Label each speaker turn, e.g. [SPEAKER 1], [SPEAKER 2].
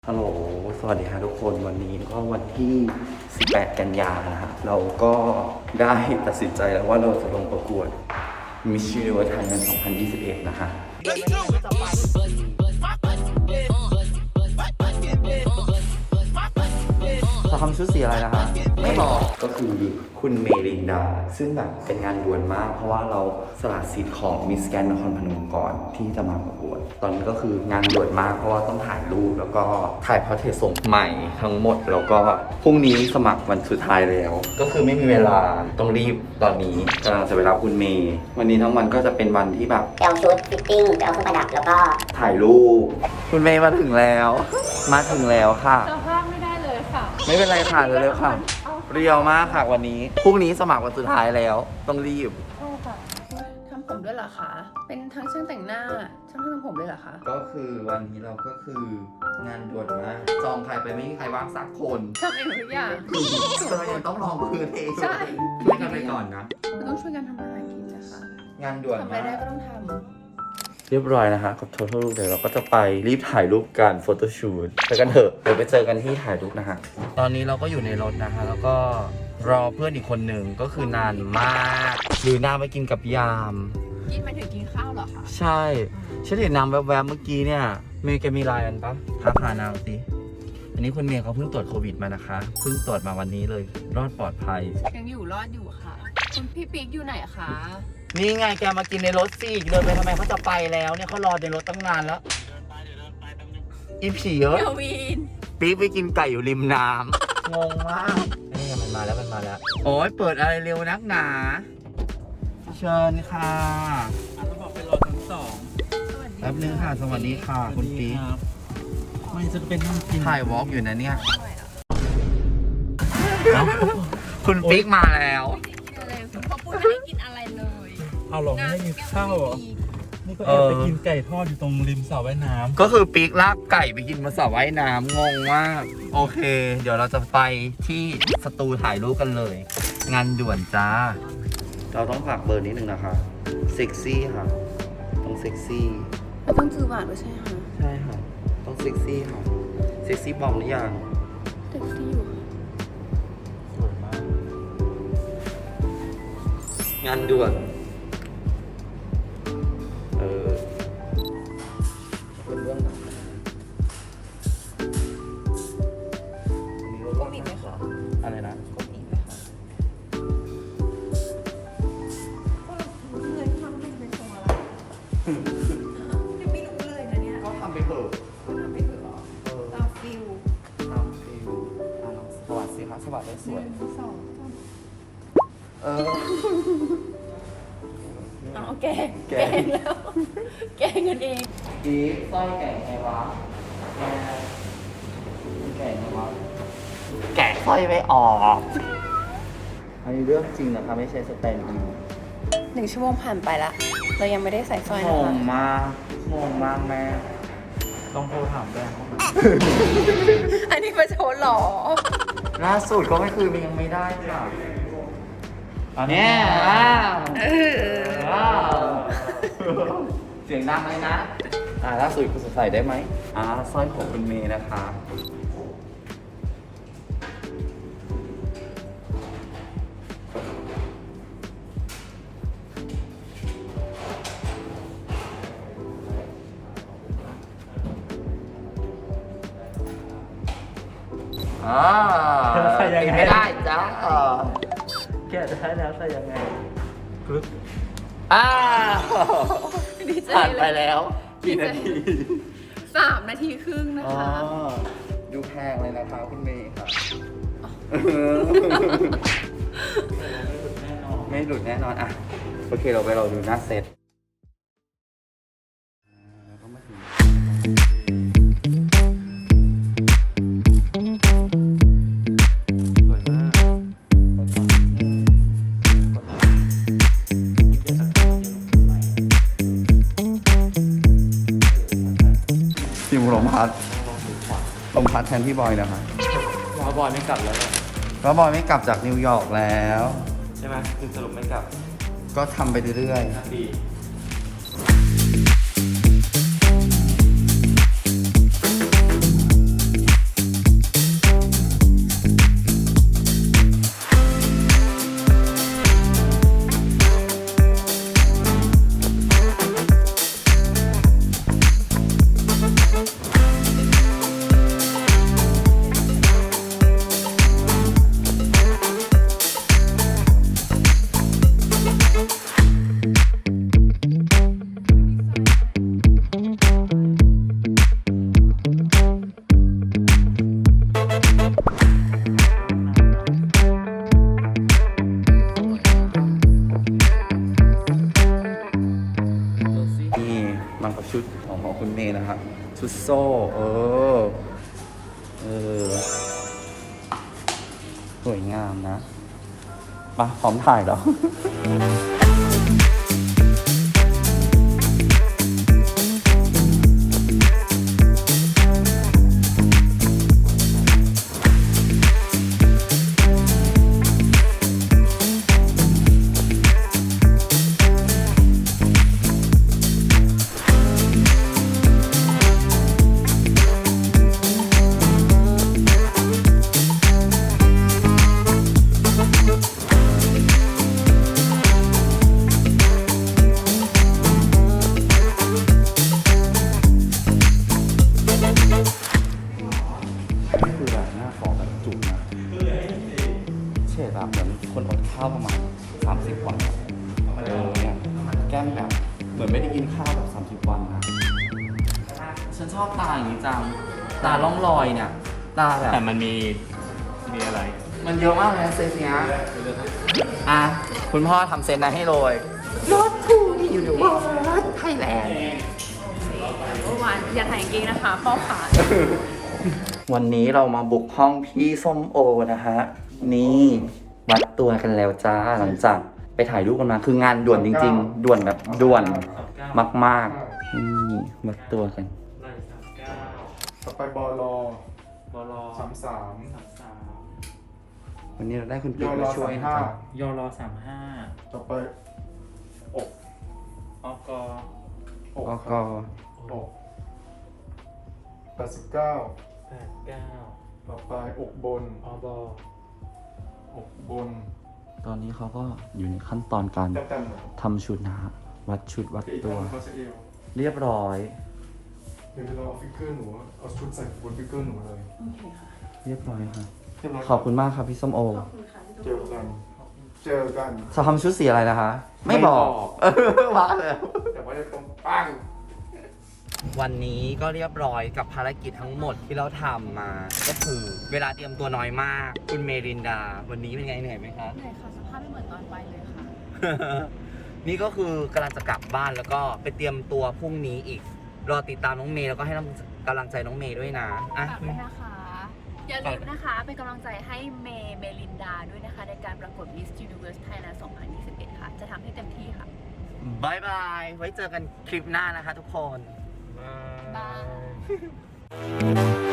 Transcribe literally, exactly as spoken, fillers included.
[SPEAKER 1] ฮัลโหล สวัสดีค่ะทุกคน วันนี้ก็วันที่ สิบแปด กันยานะฮะเราก็ได้ตัดสินใจแล้วว่าเราจะลงประกวด Miss Universe Thailand สองพันยี่สิบเอ็ด นะฮะจะทำชุดสีอะไรนะคะไม่บอกก็คือคุณเมลินดาซึ่งแบบเป็นงานด่วนมากเพราะว่าเราสละสิทธิ์ของมิสแกรนด์นครพนมก่อนที่จะมาประกวดตอนนี้ก็คืองานด่วนมากเพราะว่าต้องถ่ายรูปแล้วก็ถ่ายพอร์เทรตส่งใหม่ทั้งหมดแล้วก็พรุ่งนี้สมัครวันสุดท้ายแล้วก็คือไม่มีเวลาต้องรีบตอนนี้กำลังจะไปรับคุณเมย์วันนี้ทั้งวันก็จะเป็นวันที่แบบ
[SPEAKER 2] ไปเอาชุดฟิตติ้งไปเอาเครื่องประดับแล้วก็
[SPEAKER 1] ถ่ายรูปคุณเมย์มาถึงแล้วมาถึงแล้วค่ะ
[SPEAKER 3] สภาพไม่ได้เลยค่ะ
[SPEAKER 1] ไม่เป็นไรค่ะเร็วๆค่ะเรียวมากค่ะวันนี้พรุ่งนี้สมัครวันสุดท้ายแล้วต้องรีบ
[SPEAKER 3] ใช่ค่ะทำผมด้วยเหรอคะเป็นทั้งช่างแต่งหน้าช่างทำผมเลยเหรอคะ
[SPEAKER 1] ก็คือวันนี้เราก็คืองานด่วนมากจองใครไปไม่มีใครว่างสักคน
[SPEAKER 3] ทำเองทุกอย่าง
[SPEAKER 1] เรายังต้องลองพื้นเอง
[SPEAKER 3] ใช่
[SPEAKER 1] ช่วยกันไปก่อนนะ
[SPEAKER 3] เราต้องช่วยกันทำอาหารกินนะคะ
[SPEAKER 1] งานด่วน
[SPEAKER 3] ทำอะไรได้ก็ต้องทำ
[SPEAKER 1] เรียบร้อยนะคะกับ Total Look เดี๋ยวเราก็จะไปรีบถ่ายรูปกันโฟโต้ชูตไปกันเถอะเดี๋ยวไปเจอกันที่ถ่ายรูปนะฮะตอนนี้เราก็อยู่ในรถนะคะแล้วก็รอเพื่อนอีกคนหนึ่งก็คือนานมากหรือนางไปกินกับยาม
[SPEAKER 3] กินไปถึงกินข้าวเหรอคะ
[SPEAKER 1] ใช่ฉันเห็นนางแวบๆเมื่อกี้เนี่ยเมย์แกมีไลน์กันปะทักหานางสิอันนี้คุณเมย์เขาเพิ่งตรวจโควิดมานะคะเพิ่งตรวจมาวันนี้เลยรอดปลอดภัย
[SPEAKER 3] ยังอยู่รอดอยู่ค่ะคุณพี่ปิ๊กอยู่ไหนคะ
[SPEAKER 1] นี่ไงแกมากินในรถสิเดินไปทำไมเขาจะไปแล้วเนี่ยเขารอในรถตั้งนานแล้วอีผีเยอะปี๊กไปกินไก่อยู่ริมน้ำงงมากนี่มันมาแล้วมันมาแล้วโอ้ยเปิดอะไรเร็วนักหนาเชิญค่ะ
[SPEAKER 4] ต้องบอกไปรอชั้นสอง
[SPEAKER 1] แป๊บนึงค่ะสวัสดีค่ะคุณปี๊ก
[SPEAKER 4] ไม่จะเป็นน้ำกิน
[SPEAKER 1] ถ่ายวอล์กอยู่นะเนี่ยคุณปิ๊กมาแล้ว
[SPEAKER 3] เขาพูดไม่ได้กินอะไรเลย
[SPEAKER 4] เอาหรอไม่ได้กินข้าวเหรอนี่ก็แอบไปกินไก่ทอดอยู่ตรงริมสระว่ายน้ำ
[SPEAKER 1] ก็คือปิ๊กลากไก่ไปกินมาสระว่ายน้ำงงมากโอเคเดี๋ยวเราจะไปที่สตูถ่ายรูปกันเลยงานด่วนจ้าเราต้องฝากเบอร์นิดนึงนะคะเซ็กซี่ค่ะต้องเซ็กซี่
[SPEAKER 3] ไม่ต้องจือหวานด้วยใช่ไหมคะ
[SPEAKER 1] ใช่ค่ะต้องเซ็กซี่ค่ะเซ็กซี่บอมหรือยัง
[SPEAKER 3] เซ็กซี่อยู่
[SPEAKER 4] สวยมาก
[SPEAKER 1] งานด่วนเออเป็นเรื่องหนัก
[SPEAKER 3] ก้มอีกไหมคะ
[SPEAKER 1] อะไรนะ
[SPEAKER 3] ก้มอีกไหมคะก็เงินทำให้เป็นตัวอะไรยังไม่รู้เลยนะเนี่ย
[SPEAKER 1] ก็ทำไปเถอะ
[SPEAKER 3] ก็ทำไปเถอะหรอตามฟิล
[SPEAKER 1] ตามฟิลสวัสดีครับสวัสดีสวย
[SPEAKER 3] สอง
[SPEAKER 1] เออ
[SPEAKER 3] เอาแกงแกงแล้วแกงกันเอง
[SPEAKER 1] ดีสร้อยแกะไงวะแกแกะไงวะแกะสร้อยไม่ออกอันนี้เรื่องจริงนะคะไม่ใช่สแตนด์อิน
[SPEAKER 3] หนึ่งชั่วโมงผ่านไปละเรายังไม่ได้ใส่สร้อย
[SPEAKER 1] ง
[SPEAKER 3] นะคะ
[SPEAKER 1] งมากงงมากแม่
[SPEAKER 4] ต้องโทรถามแบงค์
[SPEAKER 3] อันนี้ประชดหรอ
[SPEAKER 1] ล่าสุดก็ไม่คือมันยังไม่ได้ค่ะตอนนี้ว้าวว้าวเสียงดังเลยนะอ่าล่าสุดคุณใส่ได้ไหมอ่าสร้อยของคุณเมย์นะคะอ่า
[SPEAKER 4] ใส่ยังไง
[SPEAKER 1] ไม่ได้จ้า
[SPEAKER 4] แกะได้แล้วใส่ยังไงกรึ๊บ
[SPEAKER 1] อ่า
[SPEAKER 3] ดีใจ
[SPEAKER 1] ผ่านไป
[SPEAKER 3] เลย
[SPEAKER 1] แล้วกี่นาที
[SPEAKER 3] สามนาทีครึ่งนะคะ
[SPEAKER 1] ดูแพงเลยนะคะคุณเมย์ค่ะไม่หลุดแน่นอนอ่ะโอเคเราไปเราดูหน้าเซตทีมลมพัดลมพัดแทนพี่บอยนะคะ
[SPEAKER 4] ว่าบอยไม่กลับแล้ว
[SPEAKER 1] เพราะบอยไม่กลับจากนิวยอร์กแล้ว
[SPEAKER 4] ใช่ไหมคือสรุปไม่กลับ
[SPEAKER 1] ก็ทำไปเรื่อย
[SPEAKER 4] ๆดี
[SPEAKER 1] นะครับชุดโซ่เออเออสวยงามนะมาพร้อมถ่ายแล้ว นี่คือแบบหน้าขอแบบจุกนะเฉดแบบเหมือนคนอดข้าวประมาณสามสิบวันอะเออเนี่ยแก้มแบบเหมือนไม่ได้กินข้าวแบบสามสิบวันนะฉันชอบตาอย่างนี้จังตาล่องรอยเนี่ยตาแบบ
[SPEAKER 4] แต่มันมีมีอะไร
[SPEAKER 1] มันเยอะมากเลยนะเซตเนี้ยอ่ะคุณพ่อทำเซตนั้นให้เลยรถทูที่อยู่ในวัดไทยแลนด์
[SPEAKER 3] เมื่อวานอย่าถ่ายกางเกงนะคะพ่อขา
[SPEAKER 1] วันนี้เรามาบุกห้องพี่ส้มโอนะฮะ นี่วัดตัวกันแล้วจ้าหลังจากไปถ่ายรูปกันมาคืองานด่วนจริงๆ ด่วนแบบด่วนมากๆนี่วัดตัวกัน
[SPEAKER 4] ไหล่สามเก้า
[SPEAKER 5] ต่อไปบอลอบ
[SPEAKER 4] ล
[SPEAKER 5] สามสาม
[SPEAKER 4] สามสาม
[SPEAKER 1] วันนี้เราได้คุณ
[SPEAKER 5] ย
[SPEAKER 1] ปิ๊ก
[SPEAKER 5] อร
[SPEAKER 1] มา
[SPEAKER 5] อ
[SPEAKER 1] ช่ว
[SPEAKER 5] สาย ม
[SPEAKER 1] นะ
[SPEAKER 5] ห้า
[SPEAKER 1] ครับ
[SPEAKER 4] ยอรอสามห้า
[SPEAKER 5] ต่อไปอก
[SPEAKER 4] อก
[SPEAKER 5] อก
[SPEAKER 1] ก็
[SPEAKER 5] ครั
[SPEAKER 1] ก็
[SPEAKER 5] บอกแปดสิบเก้า
[SPEAKER 4] แปดเก้า
[SPEAKER 5] ต่อไปอกบน
[SPEAKER 4] อบอ
[SPEAKER 5] อกบน
[SPEAKER 1] ตอนนี้เขาก็อยู่ในขั้นตอนการ
[SPEAKER 5] แต้มๆหน่อย
[SPEAKER 1] ทำชุดนะฮะ วัดชุดวัด
[SPEAKER 5] อีก
[SPEAKER 1] ตัว
[SPEAKER 5] ท่านเขาจะเอว
[SPEAKER 1] เรียบร้อย
[SPEAKER 5] เดี๋ยวเราเอาฟิกเกอร์หนูเอาชุดใส่บนฟิกเกอร์หนูเลย
[SPEAKER 3] โอเคค่ะ
[SPEAKER 1] เรียบร้อยครับ
[SPEAKER 5] เรียบร้อย
[SPEAKER 1] ขอบคุณมากครับพี่ส้มโอ
[SPEAKER 3] ขอบคุณค่ะที่
[SPEAKER 5] เจ
[SPEAKER 3] ทุก
[SPEAKER 5] อ
[SPEAKER 3] คน
[SPEAKER 5] กัน เจอกัน
[SPEAKER 1] จะทำชุดสีอะไรนะคะ ไม่บอก เออว่าเลย
[SPEAKER 5] แต่ว่าจะตรงปัง
[SPEAKER 1] วันนี้ก็เรียบร้อยกับภารกิจทั้งหมดที่เราทำมา ก็คือเวลาเตรียมตัวน้อยมาก คุณเมรินดา วันนี้เป็นไงเหนื่อยไหมคะ
[SPEAKER 3] เหนื่อยค่ะสภาพไม่เหมือนตอนไปเลยค่ะ
[SPEAKER 1] นี่ก็คือกำลังจะกลับบ้านแล้วก็ไปเตรียมตัวพรุ่งนี้อีก รอติดตามน้องเมย์แล้วก็ให้กำลังใจน้องเมย์ด้วยนะอ่ะ
[SPEAKER 3] ฝากด้วยนะคะ อย่าลืมนะคะ เป็นกำลังใจให้เมย์เมลินดาด้วยนะคะ ในการประกวด Miss Universe Thailand สองพันยี่สิบเอ็ด ค่ะ จะทำให้เต็มที่ค่ะ
[SPEAKER 1] บายบาย ไว้เจอกันคลิปหน้านะคะทุกคน
[SPEAKER 3] บาย